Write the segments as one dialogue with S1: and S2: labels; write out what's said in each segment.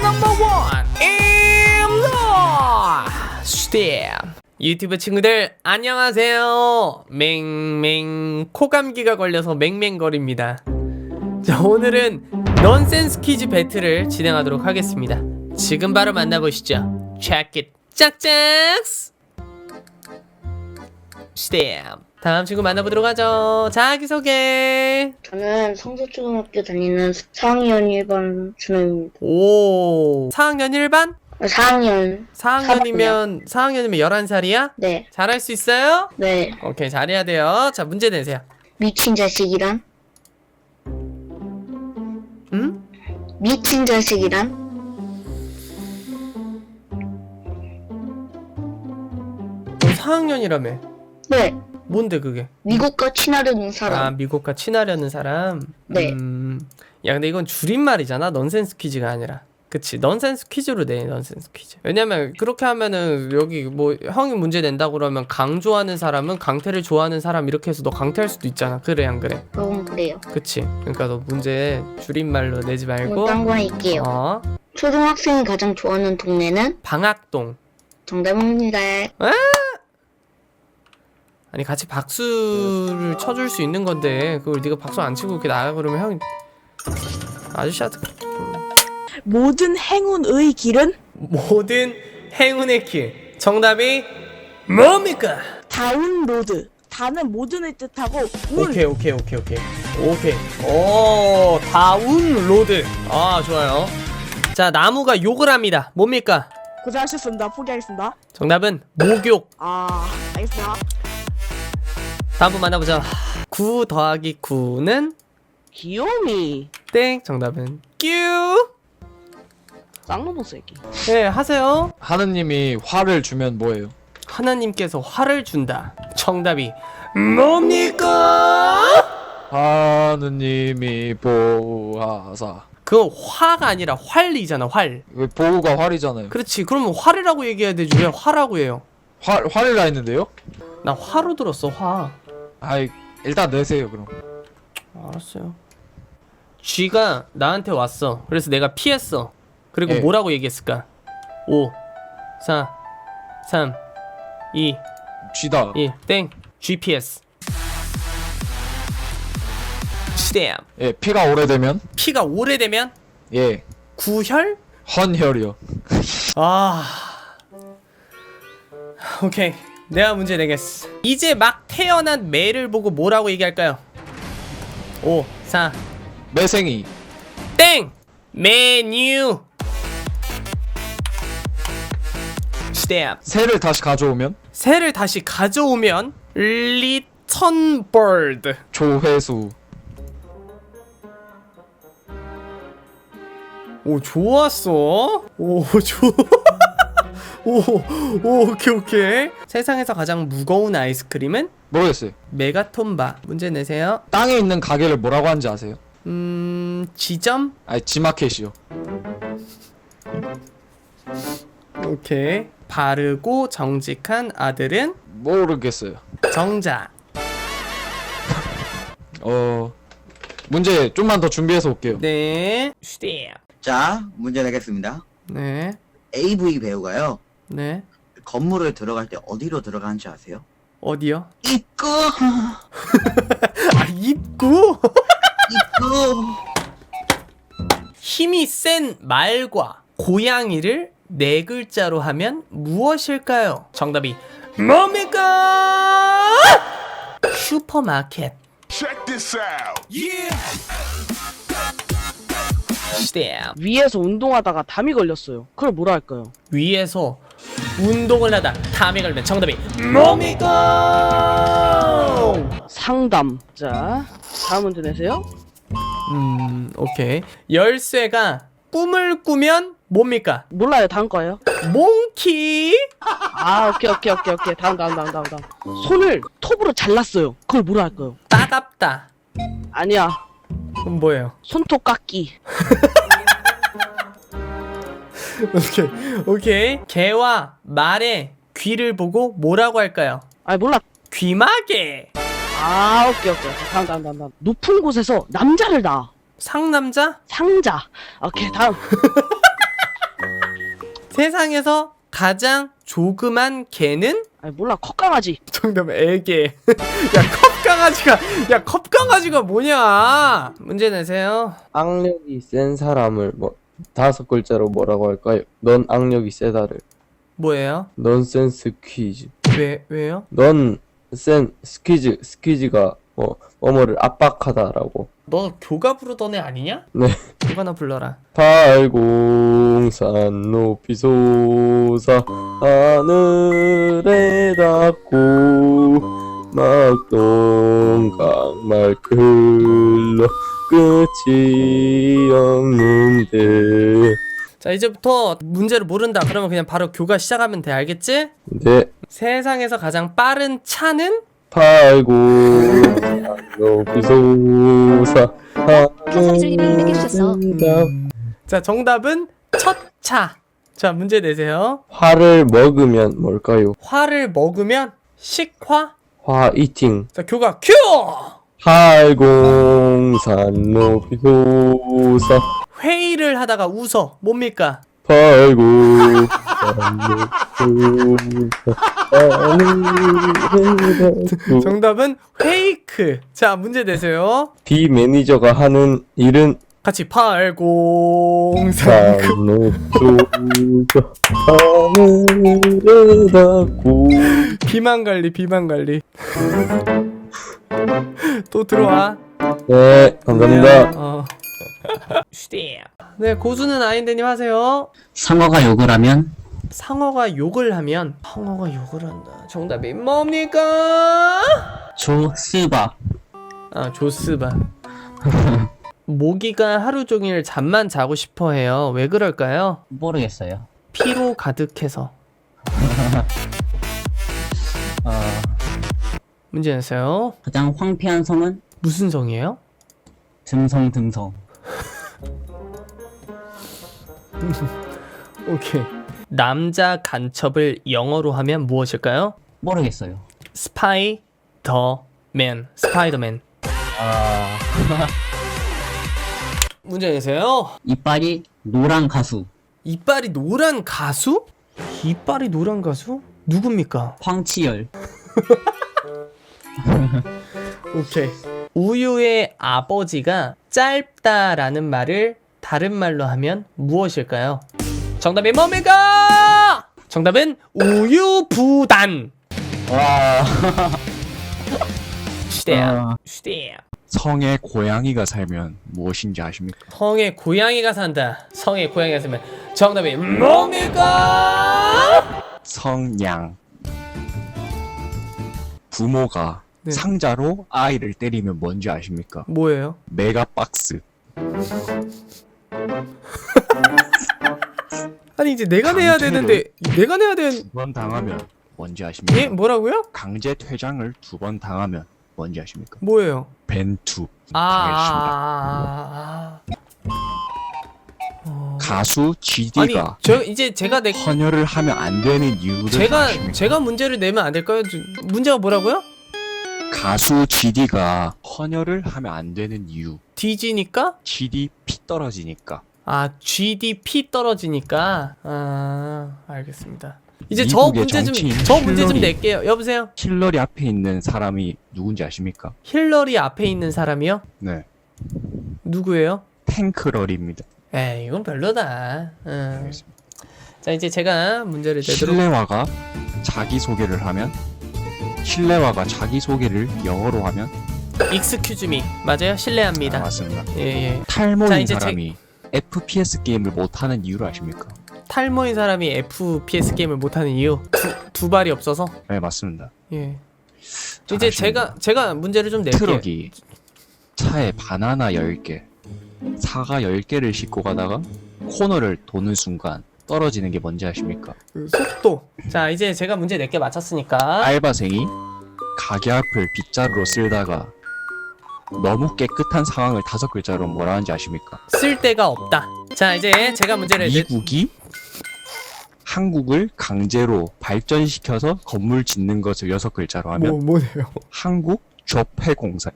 S1: 넘버원 임로 스텝 유튜브 친구들 안녕하세요. 맹맹 코감기가 걸려서 맹맹거립니다. 자, 오늘은 넌센스 퀴즈 배틀을 진행하도록 하겠습니다. 지금 바로 만나보시죠. Check it 짝짝 스텝. 다음 친구 만나보도록 하죠. 자기소개.
S2: 저는 성서초등학교 다니는 4학년 1반 준호입니다.
S1: 오, 4학년 1반?
S2: 4학년.
S1: 4학년이면 11살이야?
S2: 네.
S1: 잘할 수 있어요?
S2: 네.
S1: 오케이, 잘해야 돼요. 자, 문제 내세요.
S2: 미친 자식이란?
S1: 응?
S2: 미친 자식이란?
S1: 4학년이라며.
S2: 네.
S1: 뭔데 그게?
S2: 미국과 친하려는
S1: 아,
S2: 사람.
S1: 미국과 친하려는 사람?
S2: 네.
S1: 야, 근데 이건 줄임말이잖아. 넌센스 퀴즈가 아니라. 그치, 넌센스 퀴즈로 내. 넌센스 퀴즈. 왜냐면 그렇게 하면은 여기 뭐 형이 문제 낸다고 그러면 강 좋아하는 사람은 강태를 좋아하는 사람 이렇게 해서 너 강태할 수도 있잖아. 그래 안 그래?
S2: 그건 그래요.
S1: 그치. 그러니까 너 문제 줄임말로 내지 말고
S2: 딴 거 할게요. 초등학생이 가장 좋아하는 동네는?
S1: 방학동.
S2: 정답입니다.
S1: 아니 같이 박수를 쳐줄 수 있는 건데 그걸 네가 박수 안 치고 이렇게 나가 그러면 형이 아저씨한테
S3: 모든 행운의 길은
S1: 모든 행운의 길. 정답이 뭡니까?
S3: 다운로드. 다는 모든을 뜻하고 운.
S1: 오케이. 오, 다운로드. 아, 좋아요. 자, 나무가 욕을 합니다. 뭡니까?
S3: 고생하셨습니다. 포기하겠습니다.
S1: 정답은 목욕.
S3: 알겠습니다.
S1: 다음 분 만나보자. 9 더하기 9는
S3: 귀요미.
S1: 땡. 정답은 뀨.
S3: 쌍놈의 새끼.
S1: 네, 하세요.
S4: 하느님이 화를 주면 뭐예요?
S1: 하나님께서 화를 준다. 정답이 뭡니까?
S4: 하느님이 보하사.
S1: 그거 화가 아니라 활이잖아. 활.
S4: 왜 보우가 활이잖아요.
S1: 그렇지. 그러면 활이라고 얘기해야 되지. 왜 화라고 해요?
S4: 활이라 했는데요?
S1: 나 화로 들었어. 화.
S4: 아이, 일단 내세요 그럼.
S1: 알았어요. 쥐가 나한테 왔어. 그래서 내가 피했어. 그리고
S4: 예.
S1: 뭐라고 얘기했을까? 5 4 3 2
S4: 쥐다.
S1: 1 땡. GPS. 스텝.
S4: 예, 피가 오래되면
S1: 피가 오래되면
S4: 예,
S1: 구혈?
S4: 헌혈이요.
S1: 아. 오케이. 내가 문제 내겠어. 이제 막 태어난 매를 보고 뭐라고 얘기할까요? 5 4
S4: 매생이.
S1: 땡! 메뉴. 스텝.
S4: 새를 다시 가져오면
S1: 새를 다시 가져오면 리턴 버드.
S4: 조회수.
S1: 오, 좋았어. 오, 오케이. 세상에서 가장 무거운 아이스크림은
S4: 모르겠어요.
S1: 메가톤바. 문제 내세요.
S4: 땅에 있는 가게를 뭐라고 하는지 아세요?
S1: 지점?
S4: 아니, 지마켓이요.
S1: 오케이. 바르고 정직한 아들은
S4: 모르겠어요.
S1: 정자.
S4: 문제 좀만 더 준비해서 올게요.
S1: 네. 스텝.
S5: 자, 문제 내겠습니다.
S1: 네.
S5: AV 배우가요,
S1: 네.
S5: 건물을 들어갈 때 어디로 들어가는지 아세요?
S1: 어디요?
S5: 입구!
S1: 아, 입구?
S5: 입구!
S1: 힘이 센 말과 고양이를 네 글자로 하면 무엇일까요? 정답이 뭡니까? 슈퍼마켓.
S6: Check this out.
S1: 스텝.
S3: 위에서 운동하다가 담이 걸렸어요. 그걸 뭐라 할까요?
S1: 위에서 운동을 하다 담에 걸면 정답이 뭡니까?
S3: 상담. 자, 다음 문제 내세요.
S1: 오케이. 열쇠가 꿈을 꾸면 뭡니까?
S3: 몰라요. 다음 거예요.
S1: 몽키.
S3: 오케이. 다음. 손을 톱으로 잘랐어요. 그걸 뭐라 할까요?
S1: 따갑다.
S3: 아니야.
S1: 그럼 뭐예요?
S3: 손톱 깎기.
S1: 오케이. 개와 말의 귀를 보고 뭐라고 할까요?
S3: 몰라.
S1: 귀마개.
S3: 오케이. 다음. 높은 곳에서 남자를 낳아.
S1: 상남자?
S3: 상자. 오케이, 다음.
S1: 세상에서 가장 조그만 개는?
S3: 아니 몰라 컵강아지.
S1: 정답 애개. 야 컵강아지가 뭐냐? 문제 내세요.
S7: 악력이 센 사람을 뭐 5글자로 뭐라고 할까요? 넌 악력이 세다를.
S1: 뭐예요?
S7: 넌센스 퀴즈.
S1: 왜요?
S7: 스퀴즈가 뭐뭐를 압박하다라고.
S1: 너 교가 부르던 애 아니냐?
S7: 네.
S1: 교가나 불러라.
S7: 팔공산 높이 솟아 하늘에 닿고 막동강 흘러 끝이 없는데.
S1: 자, 이제부터 문제를 모른다 그러면 그냥 바로 교가 시작하면 돼. 알겠지?
S7: 네.
S1: 세상에서 가장 빠른 차는?
S7: 팔공산 높이 솟아
S8: 가사리줄님이 200개 주셨어.
S1: 자, 정답은 첫 차. 자, 문제 내세요.
S7: 화를 먹으면 뭘까요?
S1: 화를 먹으면 식화.
S7: 화 이팅.
S1: 자, 교가 큐!
S7: 팔공산 높이 솟아
S1: 회의를 하다가 웃어. 뭡니까?
S7: 팔공산 높이 솟아 하늘에 닿고.
S1: 정답은 페이크. 자, 문제 내세요.
S7: B 매니저가 하는 일은
S1: 같이 803.
S7: 산 높이 솟아 하늘에 닿고.
S1: 비만 관리. 또 들어와.
S7: 네, 감사합니다.
S1: 네, 고수는 아인데님 하세요.
S9: 상어가 욕을 하면
S1: 상어가 욕을 한다. 정답이 뭡니까?
S9: 조스바.
S1: 아, 조스바. 모기가 하루 종일 잠만 자고 싶어 해요. 왜 그럴까요?
S9: 모르겠어요.
S1: 피로 가득해서. 문제 내세요.
S9: 가장 황폐한 성은
S1: 무슨 성이에요?
S9: 듬성.
S1: 오케이. 남자 간첩을 영어로 하면 무엇일까요?
S9: 모르겠어요.
S1: 스파이더맨. 문제 내세요.
S9: 이빨이 노란 가수
S1: 이빨이 노란 가수? 이빨이 노란 가수? 누굽니까?
S9: 황치열.
S1: 오케이. 우유의 아버지가 짧다라는 말을 다른 말로 하면 무엇일까요? 정답이 뭡니까? 정답은 우유부단.
S9: 와.
S1: 시대야.
S4: 성에 고양이가 살면 무엇인지 아십니까?
S1: 성에 고양이가 산다. 성에 고양이가 살면 정답이 뭡니까?
S4: 성냥. 부모가
S1: 네.
S4: 상자로 아이를 때리면 뭔지 아십니까?
S1: 뭐예요?
S4: 메가박스.
S1: 아니 이제 내가 내야 되는데 내가 내야 되는
S4: 2번 당하면 뭔지 아십니까?
S1: 예? 뭐라고요?
S4: 강제 퇴장을 2번 당하면 뭔지 아십니까?
S1: 뭐예요?
S4: 벤투. 가수
S1: 아니
S4: GD가
S1: 저 이제 제가 내
S4: 헌혈을 하면 안 되는 이유를 아십니까?
S1: 제가 문제를 내면 안 될까요? 문제가 뭐라고요?
S4: 가수 GD가 헌혈을 하면 안 되는 이유.
S1: 뒤지니까?
S4: GD 피 떨어지니까.
S1: 아 GDP 떨어지니까. 아 알겠습니다. 이제 저
S4: 미국의
S1: 문제
S4: 정치인
S1: 좀
S4: 힐러리.
S1: 낼게요. 여보세요.
S4: 힐러리 앞에 있는 사람이 누군지 아십니까?
S1: 힐러리 앞에 있는 사람이요?
S4: 네.
S1: 누구예요?
S4: 탱크럴입니다.
S1: 에이 이건 별로다. 자 이제 제가 문제를 내도록.
S4: 실내화가 자기소개를 하면 실내화가 자기소개를 영어로 하면
S1: Excuse me 맞아요? 실례합니다.
S4: 맞습니다.
S1: 예. 자,
S4: 탈모인
S1: 이제
S4: 사람이 FPS 게임을 못하는 이유를 아십니까?
S1: 탈모인 사람이 FPS 게임을 못하는 이유 두 발이 없어서.
S4: 네 맞습니다.
S1: 예. 이제
S4: 잘하십니다.
S1: 제가 문제를 좀 낼게요.
S4: 트럭이 차에 바나나 10개, 사과 10개를 싣고 가다가 코너를 도는 순간 떨어지는 게 뭔지 아십니까?
S1: 그 속도. 자 이제 제가 문제 낼게 맞췄으니까.
S4: 알바생이 가게 앞을 빗자루로 쓸다가 너무 깨끗한 상황을 5글자로 뭐라 하는지 아십니까?
S1: 쓸 데가 없다. 자 이제 제가 문제를
S4: 미국이 한국을 강제로 발전시켜서 건물 짓는 것을 6글자로 하면
S1: 뭐네요?
S4: 한국 조폐공사.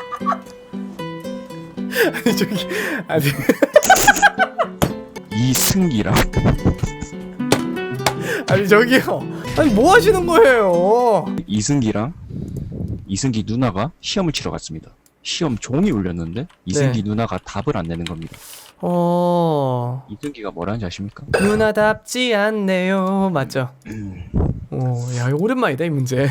S1: 아니 저기 아니
S4: 이스 이승기랑
S1: 아니 저기요. 아니 뭐 하시는 거예요?
S4: 이승기 누나가 시험을 치러 갔습니다. 시험 종이 울렸는데 이승기 누나가 답을 안 내는 겁니다. 이승기가 뭐라는지 아십니까?
S1: 누나답지 않네요. 맞죠? 야 이거 오랜만이다 이 문제.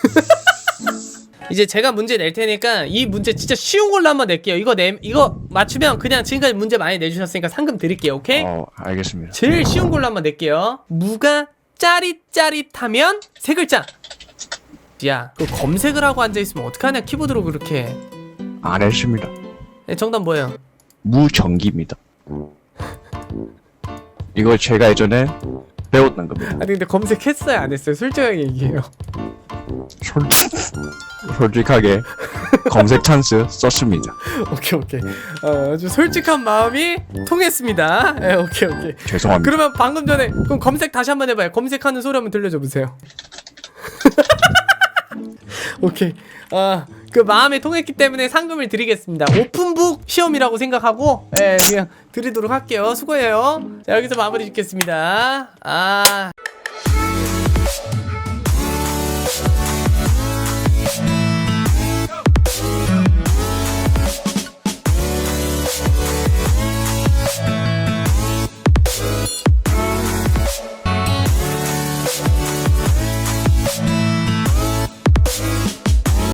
S1: 이제 제가 문제 낼 테니까 이 문제 진짜 쉬운 걸로 한번 낼게요. 이거 맞추면 그냥 지금까지 문제 많이 내주셨으니까 상금 드릴게요. 오케이?
S4: 알겠습니다.
S1: 제일 쉬운 걸로 한번 낼게요. 무가 짜릿짜릿하면 세 글자. 야, 그 검색을 하고 앉아있으면 어떡하냐 키보드로 그렇게.
S4: 안 했습니다.
S1: 네, 정답 뭐예요?
S4: 무전기입니다. 이거 제가 예전에 배웠던 겁니다.
S1: 아니 근데 검색했어요 안 했어요? 솔직하게 얘기해요.
S4: 솔직하게 검색 찬스 썼습니다.
S1: 오케이. 아주 솔직한 마음이 통했습니다. 네, 오케이.
S4: 죄송합니다.
S1: 그러면 방금 전에 그럼 검색 다시 한번 해봐요. 검색하는 소리 한번 들려줘 보세요. 오케이. 그 마음이 통했기 때문에 상금을 드리겠습니다. 오픈북 시험이라고 생각하고 그냥 드리도록 할게요. 수고해요. 자, 여기서 마무리 짓겠습니다.